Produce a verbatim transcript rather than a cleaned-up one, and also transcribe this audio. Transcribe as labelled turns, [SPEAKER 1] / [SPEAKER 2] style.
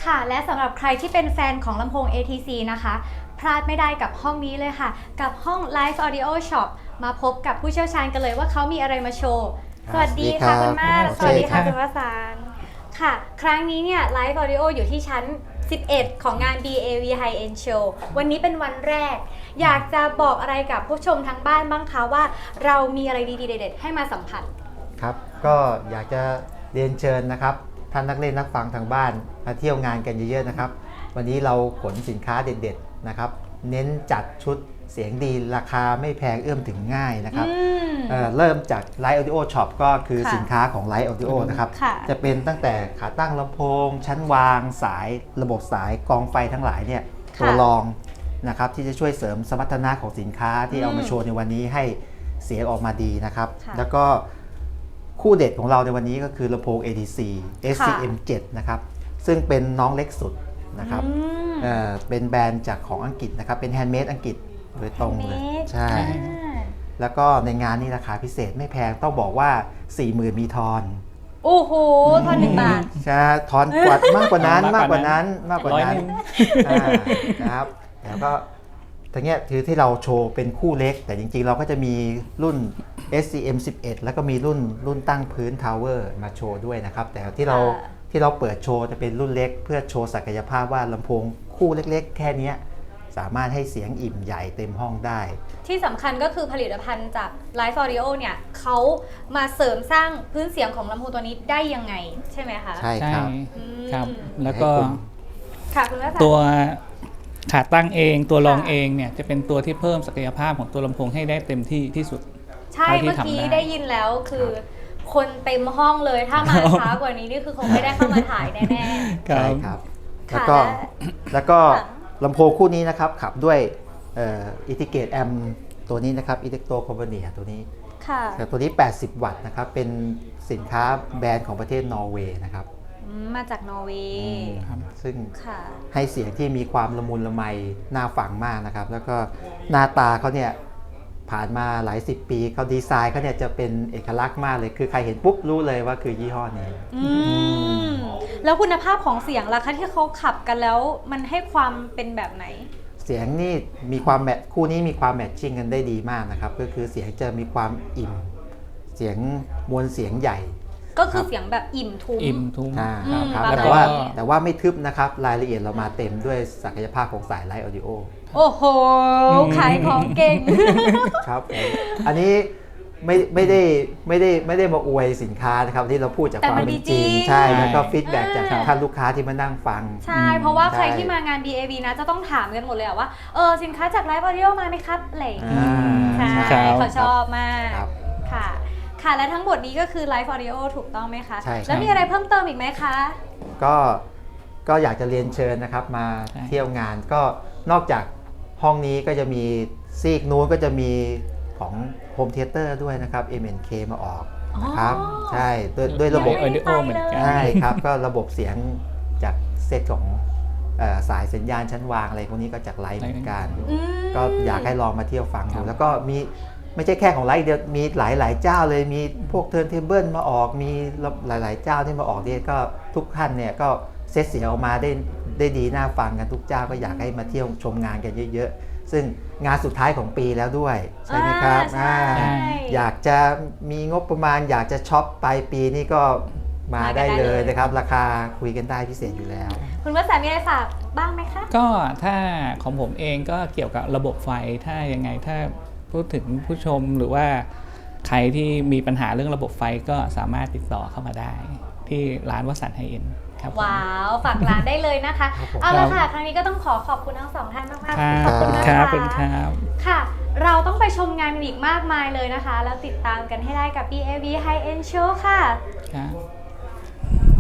[SPEAKER 1] ค่ะและสำหรับใครที่เป็นแฟนของลำโพง เอ ที ซี นะคะพลาดไม่ได้กับห้องนี้เลยค่ะกับห้อง Live Audio Shop มาพบกับผู้เชี่ยวชาญกันเลยว่าเขามีอะไรมาโชว์สวัสดีค่ะคุณมาสสวัสดีค่ะคุณวสานต์ค่ะครั้งนี้เนี่ย Live Audio อยู่ที่ชั้นสิบเอ็ดของงาน บี เอ วี High End Show วันนี้เป็นวันแรกอยากจะบอกอะไรกับผู้ชมทางบ้านบ้างคะว่าเรามีอะไรดีๆเด็ดๆให้มาสัมผัส
[SPEAKER 2] ครับก็อยากจะเรียนเชิญนะครับท่านนักเล่นนักฟังทางบ้านมาเที่ยวงานกันเยอะๆนะครับวันนี้เราขนสินค้าเด็ดๆนะครับเน้นจัดชุดเสียงดีราคาไม่แพงเอื้อมถึงง่ายนะครับ เ, เริ่มจาก Live Audio Shop ก็คือสินค้าของ Live Audio นะครับจะเป็นตั้งแต่ขาตั้งลำโพงชั้นวางสายระบบสายกองไฟทั้งหลายเนี่ยตัวรองนะครับที่จะช่วยเสริมสมรรถนะของสินค้าที่เอามาโชว์ในวันนี้ให้เสียงออกมาดีนะครับแล้วก็คู่เด็ดของเราในวันนี้ก็คือลำโพง เอ ที ซี เอส ซี เอ็ม เจ็ด นะครับซึ่งเป็นน้องเล็กสุดนะครับเอ่อเป็นแบรนด์จากของอังกฤษนะครับเป็นแฮนด์เมดอังกฤษโดยตรงเลยใช่แล้วก็ในงานนี้ราคาพิเศษไม่แพงต้องบอกว่า สี่หมื่น มีทอน
[SPEAKER 1] โอ้โหทอนหนึ่งบาท
[SPEAKER 2] ใช่ทอนกว่ามากกว่านั้นมากกว่านั้นมากกว่านั้นนะครับแล้วก็ทั้งนี้ถือที่เราโชว์เป็นคู่เล็กแต่จริงๆเราก็จะมีรุ่น เอส ซี เอ็ม สิบเอ็ด แล้วก็มีรุ่นรุ่นตั้งพื้นทาวเวอร์มาโชว์ด้วยนะครับแต่ที่เราที่เราเปิดโชว์จะเป็นรุ่นเล็กเพื่อโชว์ศักยภาพว่าลำโพงคู่เล็กๆแค่นี้สามารถให้เสียงอิ่มใหญ่เต็มห้องได้
[SPEAKER 1] ที่สำคัญก็คือผลิตภัณฑ์จาก Live Audio เนี่ยเขามาเสริมสร้างพื้นเสียงของลำโพงตัวนี้ได้ยังไงใช่ไหมคะ
[SPEAKER 2] ใช่ครับ
[SPEAKER 3] ครับแล้วก็
[SPEAKER 1] ตัว
[SPEAKER 3] ขาตั้งเองตัวรองเองเนี่ยจะเป็นตัวที่เพิ่มศักยภาพของตัวลำโพงให้ได้เต็มที่ที่สุด
[SPEAKER 1] ใช่เมื่อกี้ได้ยินแล้วคือคนเต็มห้องเลยถ้ามาช้ากว่านี้นี่คือคงไม่ได้เข้ามาถ่ายแน่
[SPEAKER 2] ๆใช่ครับแล้วก็แล้วก็ลำโพงคู่นี้นะครับขับด้วยอิทิเกตแอมตัวนี้นะครับอิเล็กโทรคอมพานีตัวนี้แต่ตัวนี้แปดสิบวัตต์นะครับเป็นสินค้าแบรนด์ของประเทศนอร์เวย์นะครับ
[SPEAKER 1] มาจากนอร์เวย์
[SPEAKER 2] ซึ่งให้เสียงที่มีความละมุนละไมน่าฟังมากนะครับแล้วก็หน้าตาเขาเนี่ยผ่านมาหลายสิบปีเขาดีไซน์เขาเนี่ยจะเป็นเอกลักษณ์มากเลยคือใครเห็นปุ๊บรู้เลยว่าคือยี่ห้อนี้
[SPEAKER 1] แล้วคุณภาพของเสียงล่ะคะที่เขาขับกันแล้วมันให้ความเป็นแบบไหน
[SPEAKER 2] เสียงนี่มีความแมทคู่นี้มีความแมทชิ่งกันได้ดีมากนะครับก็คือเสียงจะมีความอิ่มเสียงมวลเสียงใหญ่
[SPEAKER 1] ก็คือเสียงแบบอิ่มทุ้ม
[SPEAKER 3] อิ่มทุ้ม
[SPEAKER 2] ครับแต่ว่าแต่ว่าไม่ทึบนะครับรายละเอียดเรามาเต็มด้วยศักยภาพของสายไลฟ์ออดิโอ
[SPEAKER 1] โอ้โหขายของเก่ง
[SPEAKER 2] ครับอันนี้ไม่ไม่ได้ไม่ได้ไม่ได้มาอวยสินค้านะครับที่เราพูดจากความเป็นจริงใช่แล้วก็ฟีดแบ็กจากท่านลูกค้าที่มานั่งฟัง
[SPEAKER 1] ใช่เพราะว่าใครที่มางาน บี เอ วี นะจะต้องถามกันหมดเลยว่าเออสินค้าจากไลฟ์ออดิโอมาไหมครับอะไรใช่เขาชอบมากค่ะค่ะและทั้งหมดนี้ก็คือ Live Audio ถูกต้องไหมคะ
[SPEAKER 2] ใช่
[SPEAKER 1] แล้วมีอะไรเพิ่มเติมอีกไหมคะ
[SPEAKER 2] ก็ก็อยากจะเรียนเชิญนะครับมาเที่ยวงานก็นอกจากห้องนี้ก็จะมีซีกนู้นก็จะมีของ Home Theater ด้วยนะครับ เอ็ม เอ็น เค มาออกนะครับใช่ด้วยด้วยระบบ
[SPEAKER 3] Audio เหมือนกัน
[SPEAKER 2] ใช่ครับก็ระบบเสียงจากเซตของสายสัญญาณชั้นวางอะไรพวกนี้ก็จากไลฟ์เหมือนกันก็อยากให้ลองมาเที่ยวฟังดูแล้วก็มีไม่ใช่แค่ของไลฟ์เดียวมีหลายๆเจ้าเลยมีพวกเทิร์นเทเบิลมาออกมีหลายๆเจ้าที่มาออกเนี่ยก็ทุกท่านเนี่ยก็เซตเสียงออกมาได้ได้ดีน่าฟังกันทุกเจ้าก็อยากให้มาเที่ยวชมงานกันเยอะๆซึ่งงานสุดท้ายของปีแล้วด้วยใช่ไหมครับอยากจะมีงบประมาณอยากจะช็อปปลายปีนี่ก็มาได้เลยนะครับราคาคุยกันได้พิเศษอยู่แล้ว
[SPEAKER 1] คุณวสันต์มีอะไรฝากบ้างไหมคะ
[SPEAKER 3] ก็ถ้าของผมเองก็เกี่ยวกับระบบไฟถ้ายังไงถ้าพูดถึงผู้ชมหรือว่าใครที่มีปัญหาเรื่องระบบไฟก็สามารถติดต่อเข้ามาได้ที่ร้านวสันต์ไฮเอ็นด์ครับ
[SPEAKER 1] ว้าวฝากร้านได้เลยนะคะเอาละค่ะครั้งนี้ก็ต้องขอขอบคุณทั้งสองท่านมาก
[SPEAKER 3] ๆขอบคุณครับเป็นครับ
[SPEAKER 1] ค่ะเราต้องไปชมงานอีกมากมายเลยนะคะแล้วติดตามกันให้ได้กับ บี เอ วี High End Show ค่ะ
[SPEAKER 3] ครับ